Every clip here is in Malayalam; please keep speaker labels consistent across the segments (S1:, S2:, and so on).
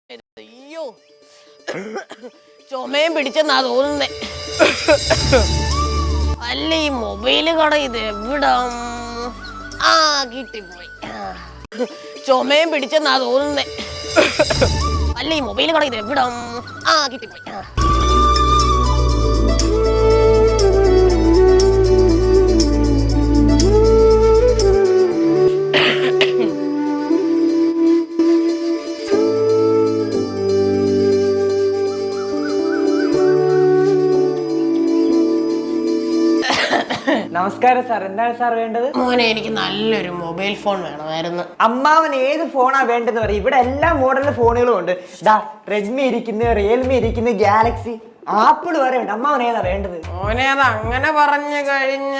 S1: അയ്യോ ചുമയും പിടിച്ചെന്നാ തോന്നുന്നേ. അല്ല ഈ മൊബൈല് കട ഇത് എവിടാ? ആ കിട്ടിപ്പോയി. ചുമയും പിടിച്ചെന്നാ തോന്നുന്നേ. അല്ല ഈ മൊബൈല് കട ഇത് എവിടാ? ആ കിട്ടിപ്പോയി.
S2: നമസ്കാരം സാർ, എന്താണ് സാർ വേണ്ടത്?
S1: മോനെ എനിക്ക് നല്ലൊരു മൊബൈൽ ഫോൺ വേണമായിരുന്നു.
S2: അമ്മാവൻ ഏത് ഫോണാ വേണ്ടതെന്ന് പറയും. ഇവിടെ എല്ലാ മോഡലിലെ ഫോണുകളും ഉണ്ട്. ദാ റെഡ്മി ഇരിക്കുന്നു, റിയൽമി ഇരിക്കുന്നു, ഗാലക്സി, ആപ്പിൾ വരെ ഉണ്ട്. അമ്മാവൻ ഏതാ വേണ്ടത്?
S1: മോനെ അത് അങ്ങനെ പറഞ്ഞു കഴിഞ്ഞ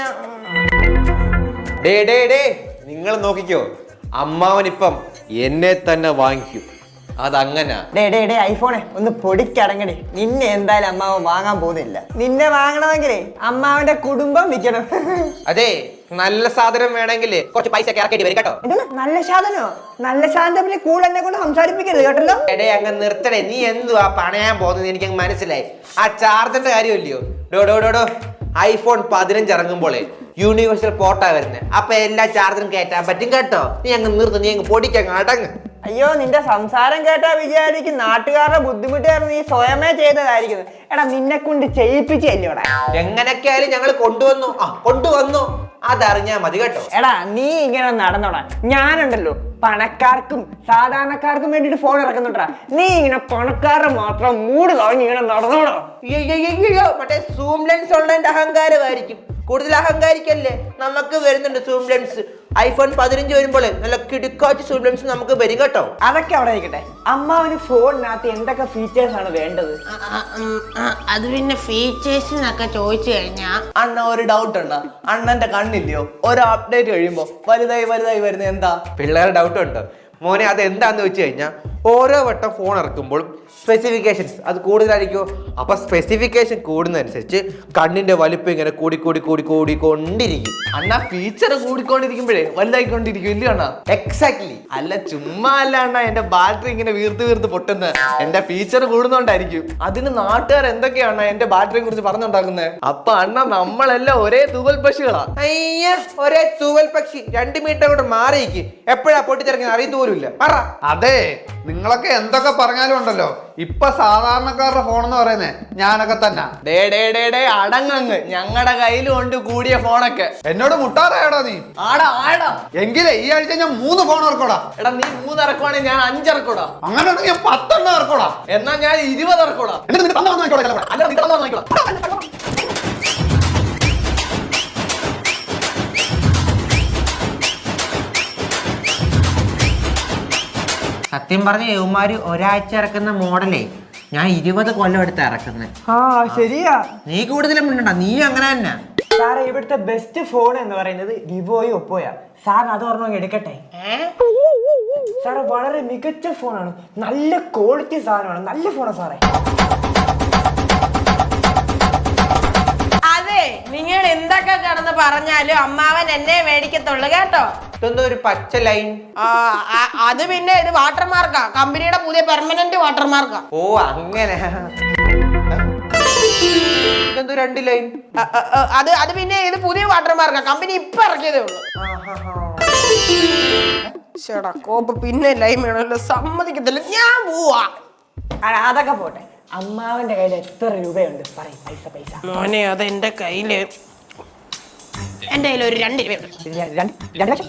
S3: നിങ്ങൾ നോക്കിക്കോ, അമ്മാവനിപ്പം എന്നെ തന്നെ വാങ്ങിക്കും. അതങ്ങനെ
S2: ഐഫോണെ ഒന്ന് പൊടിക്കടങ്ങടി. നിന്നെ എന്തായാലും അമ്മാവൻ വാങ്ങാൻ പോകുന്നില്ല. നിന്നെ വാങ്ങണമെങ്കിലേ അമ്മാവന്റെ കുടുംബം വിൽക്കണം.
S3: അതെ, നല്ല സാധനം വേണമെങ്കിൽ കുറച്ച് പൈസ ഇറക്കേണ്ടി വരും കേട്ടോ.
S2: നല്ല സാധനോ? നല്ല സാധനം കൂടെ എന്നെ കൊണ്ട് സംസാരിപ്പിക്കരുത് കേട്ടല്ലോ.
S3: അങ്ങ് നിർത്തടേ, നീ എന്തുവാ പണയാൻ പോകുന്നത്? എനിക്ക് മനസ്സിലായി. ആ ചാർജറിന്റെ കാര്യമില്ലയോ? ഡോ ഐഫോൺ 15 ഇറങ്ങുമ്പോളേ യൂണിവേഴ്സൽ പോർട്ടാ വരുന്നത്. അപ്പൊ എല്ലാ ചാർജറും കയറ്റാൻ പറ്റും കേട്ടോ. നീ അങ്ങ് നിർത്ത്, നീ അങ്ങ് പൊടിക്കങ്ങ് അടങ്ങ്.
S2: അയ്യോ, നിന്റെ സംസാരം കേട്ടാ വിചാരിക്കും നാട്ടുകാരുടെ ബുദ്ധിമുട്ട് കാരണം നീ സ്വയമേ ചെയ്തതായിരിക്കുന്നു. എടാ, നിന്നെ കൊണ്ട് ചെയ്യിപ്പിച്ചല്ലോടാ.
S3: എങ്ങനെയൊക്കെയായാലും ഞങ്ങൾ കൊണ്ടുവന്നു അതറിഞ്ഞാ മതി കേട്ടോ.
S2: എടാ, നീ ഇങ്ങനെ നടന്നോടാ. ഞാനുണ്ടല്ലോ പണക്കാർക്കും സാധാരണക്കാർക്കും വേണ്ടിട്ട് ഫോൺ ഇറക്കുന്നുണ്ടാ. നീ ഇങ്ങനെ പണക്കാരുടെ മാത്രം മൂട് കളഞ്ഞ് ഇങ്ങനെ നടന്നോടാ.
S3: മറ്റേ സൂം ലെൻസ് ഉള്ളതിന്റെ അഹങ്കാരമായിരിക്കും. കൂടുതൽ അഹങ്കാരിക്കല്ലേ. നമുക്ക് വരുന്നുണ്ട് സൂം ലെൻസ്. ഐഫോൺ 15 വരുമ്പോൾ നല്ല കിടുക്കാച്ച് സൂം ലെൻസ് നമുക്ക് വരും കേട്ടോ.
S2: അതൊക്കെ അവിടെ ഇരിക്കട്ടെ. അമ്മാവന് ഫോണിനകത്ത് എന്തൊക്കെ ഫീച്ചേഴ്സ് ആണ് വേണ്ടത്?
S1: അത് പിന്നെ ഫീച്ചേഴ്സിനൊക്കെ ചോദിച്ചു കഴിഞ്ഞാ
S4: അണ്ണ ഒരു ഡൗട്ട് ഉണ്ടോ? അണ്ണന്റെ കണ്ണില്ലയോ? ഒരു അപ്ഡേറ്റ് കഴിയുമ്പോ വലുതായി വരുന്നത് എന്താ?
S3: പിള്ളേരുടെ ഡൗട്ട് ഉണ്ട് മോനെ. അത് എന്താന്ന് വെച്ച് കഴിഞ്ഞാൽ ഓരോ വട്ടം ഫോൺ ഇറക്കുമ്പോൾ സ്പെസിഫിക്കേഷൻസ് അത് കൂടുതലായിരിക്കുമോ. അപ്പൊ സ്പെസിഫിക്കേഷൻ കൂടുന്നതനുസരിച്ച് കണ്ണിന്റെ വലിപ്പം ഇങ്ങനെ കൂടിക്കൊണ്ടിരിക്കും.
S4: അണ്ണ ഫീച്ചർ കൂടിക്കൊണ്ടിരിക്കുമ്പോഴേ വലുതായിക്കൊണ്ടിരിക്കും ഇല്ലയോ അണ്ണ?
S3: എക്സാക്ട്ലി.
S4: അല്ല ചുമ്മാ അല്ല അണ്ണ, എന്റെ ബാറ്ററി ഇങ്ങനെ വീർത്ത് പൊട്ടുന്നത് എന്റെ ഫീച്ചർ കൂടുന്നോണ്ടായിരിക്കും. അതിന് നാട്ടുകാർ എന്തൊക്കെയാണ് എന്റെ ബാറ്ററിയെ കുറിച്ച് പറഞ്ഞുണ്ടാക്കുന്നത്. അപ്പൊ അണ്ണ നമ്മളെല്ലാം ഒരേ തൂവൽ പക്ഷികളാ.
S3: അയ്യ, ഒരേ തൂവൽ പക്ഷി. 2 മീറ്റർ കൊണ്ട് മാറിയിക്ക്. എപ്പോഴാ പൊട്ടിത്തിറങ്ങി അറിയുന്ന പോലും ഇല്ല.
S5: അതെ, നിങ്ങളൊക്കെ എന്തൊക്കെ പറഞ്ഞാലും ഉണ്ടല്ലോ, ഇപ്പൊ സാധാരണക്കാരുടെ ഫോണെന്ന് പറയുന്നേ ഞാനൊക്കെ തന്നെ.
S4: അടങ്ങ്, ഞങ്ങളുടെ കയ്യിലും ഉണ്ട് കൂടിയ ഫോണൊക്കെ.
S5: എന്നോട് മുട്ടാറായടാ നീ.
S4: ആടാ
S5: എങ്കിലേ ഈ ആഴ്ച ഞാൻ 3 ഫോൺ ഇറക്കോടാ.
S4: എടാ, നീ 3 ഇറക്കുവാണെങ്കിൽ ഞാൻ 5 ഇറക്കോടാ.
S5: അങ്ങനെ ഞാൻ 10 ഇറക്കോടാ.
S4: എന്നാ ഞാൻ 20 ഇറക്കോടാ.
S5: എന്നിട്ട് നിന്റെ തന്ന വാങ്ങിക്കോളാം.
S4: അല്ല, നീ തന്നാ വാങ്ങിക്കോളാം.
S3: സത്യം പറഞ്ഞ യവന്മാര് ഒരാഴ്ച ഇറക്കുന്ന മോഡലേ ഞാൻ 20 കൊല്ലം എടുത്ത് ഇറക്കുന്നത്.
S2: ആ ശരിയാ,
S3: നീ കൂടുതലും മിണ്ടണ്ട, നീ അങ്ങനെ തന്നെ.
S2: സാറേ, ഇവിടുത്തെ ബെസ്റ്റ് ഫോൺ എന്ന് പറയുന്നത് വിവോയോ ഒപ്പോയാ. സാറിന് അത് ഓർമ്മ എടുക്കട്ടെ. സാറേ, വളരെ മികച്ച ഫോണാണ്, നല്ല ക്വാളിറ്റി സാധനമാണ്, നല്ല ഫോണാണ് സാറേ.
S1: അതെ, നിങ്ങൾ എന്തൊക്കെ കിടന്ന് പറഞ്ഞാലും അമ്മാവൻ എന്നെ മേടിക്കത്തുള്ളു കേട്ടോ.
S3: ഇതൊന്നും ഒരു പച്ച ലൈൻ.
S1: അത് പിന്നെ ഇത് വാട്ടർമാർക്കാ, കമ്പനിയുടെ പുതിയ പെർമനന്റ് വാട്ടർമാർക്കാ.
S3: ഓ അങ്ങനെ. ഇതെന്തോ 2 ലൈൻ.
S1: അത് പിന്നെ ഇത് പുതിയ വാട്ടർമാർക്കാ, കമ്പനി ഇപ്പൊ ഇറക്കിയതേ ഉള്ളൂ. ചേടാ കോപ്പ് പിന്നെ ലൈൻ വേണമല്ലോ, സമ്മതിക്കത്തില്ല, ഞാൻ പോവാ.
S2: അതൊക്കെ പോട്ടെ, അമ്മാവന്റെ കയ്യിൽ എത്ര രൂപയുണ്ട് പറയും? പൈസ
S1: മോനെ, അത് എന്റെ കയ്യില് ഒരു 2 രൂപയുണ്ട്.
S2: 2 ലക്ഷം?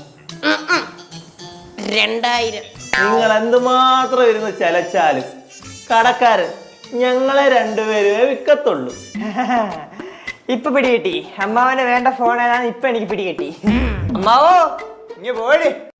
S1: 2000.
S4: നിങ്ങൾ എന്തുമാത്രം ഇരുന്ന് ചലച്ചാലും കടക്കാരൻ ഞങ്ങളെ 2 പേരെ വിൽക്കത്തുള്ളൂ.
S2: ഇപ്പൊ പിടികിട്ടി. അമ്മാവന് വേണ്ട ഫോൺ ഏതാന്ന് ഇപ്പൊ എനിക്ക് പിടികിട്ടി. അമ്മാവോ, ഇങ്ങ് പോടി.